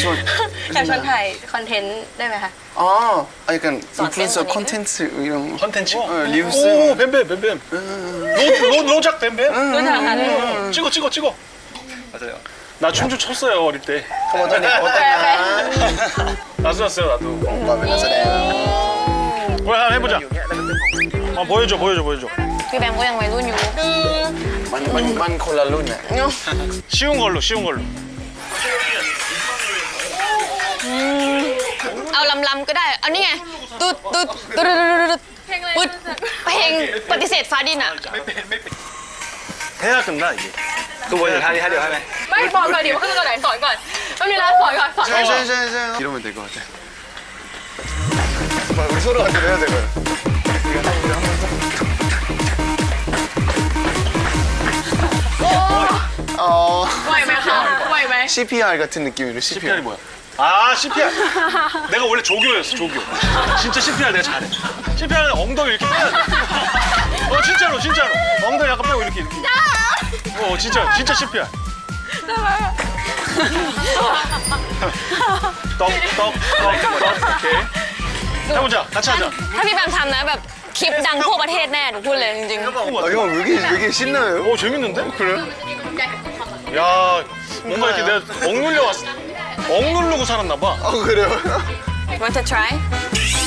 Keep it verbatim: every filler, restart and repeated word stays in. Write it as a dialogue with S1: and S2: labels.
S1: ชวน
S2: อยากชวนถ่ายคอนเทนต์ได้ไหมคะ
S1: อ๋อ약간
S2: 선
S1: 인플루언서
S2: 팬분이네.
S1: 콘텐츠 이런 거.
S3: 컨텐츠?
S1: 어, 리우스.
S3: 오, 뱀뱀, 뱀뱀. 로, 로, 로작 뱀뱀?
S2: รู้จักค่ะ
S3: 어, 찍어, 찍어, 찍어.
S4: 맞아요.
S3: 나 춤추 췄어요, 어릴 때.
S1: 어떤 애, 어떤
S3: 나도 났어요, 나도.
S1: 오빠 왜 나서래?
S3: 뭐 한번 해보자. 아, 보여줘, 보여줘, 보여줘.
S2: พี่แบงค์ก็ยังวัยรุ่นอยู่
S1: มันมันมันคนละรุ่นน่ะ
S3: 쉬운 걸로, 쉬운 걸로.
S2: เอาลำๆก็ได้ เอานี่ไงตุ๊ดตุ๊ดตุ๊ดตุ๊ดตุ๊ดเพลงปฏิเสธฟ้าดินอ่ะ
S3: 해야 끝나, 이게.
S4: 그 뭐냐, 다리 하려 하네.
S2: ไม่บอกก่อนดิว่าขึ้นตัวไหนสอนก่อนต้องมีร้านสอนก่อนสอนก่อน
S1: 샤샤샤샤 이러면 될 것 같아. 우리 서로 같이 해야 되고요. 어
S2: ไหวไหมคะไหวไหม
S1: 씨피알 같은 느낌으로
S3: 씨피알이
S1: 씨피알.
S3: 뭐야? 아, 씨피알. 내가 원래 조교였어, 조교. 진짜 씨피알 내가 잘해. 씨피알은 엉덩이 이렇게 빼야 돼. 어, 진짜로, 진짜로. 엉덩이 약간 빼고 이렇게, 이렇게. 어, 진짜, 진짜 씨피알. 떡, 떡, 떡, 떡, 오케이. 해보자, 같이 하자.
S2: ถ้าพี่แบงค์ทำนะแบบคลิปดังทั่วประเทศแน่หนูพูดเลยจริง
S1: 아, 형, 왜 이렇게, 왜 이렇게 신나요?
S3: 오, 재밌는데? 그래? 야, 뭔가 이렇게 내가 억눌려 왔어. 억누르고 살았나 봐.
S1: 아, 그래요?
S2: ๆ Want to try?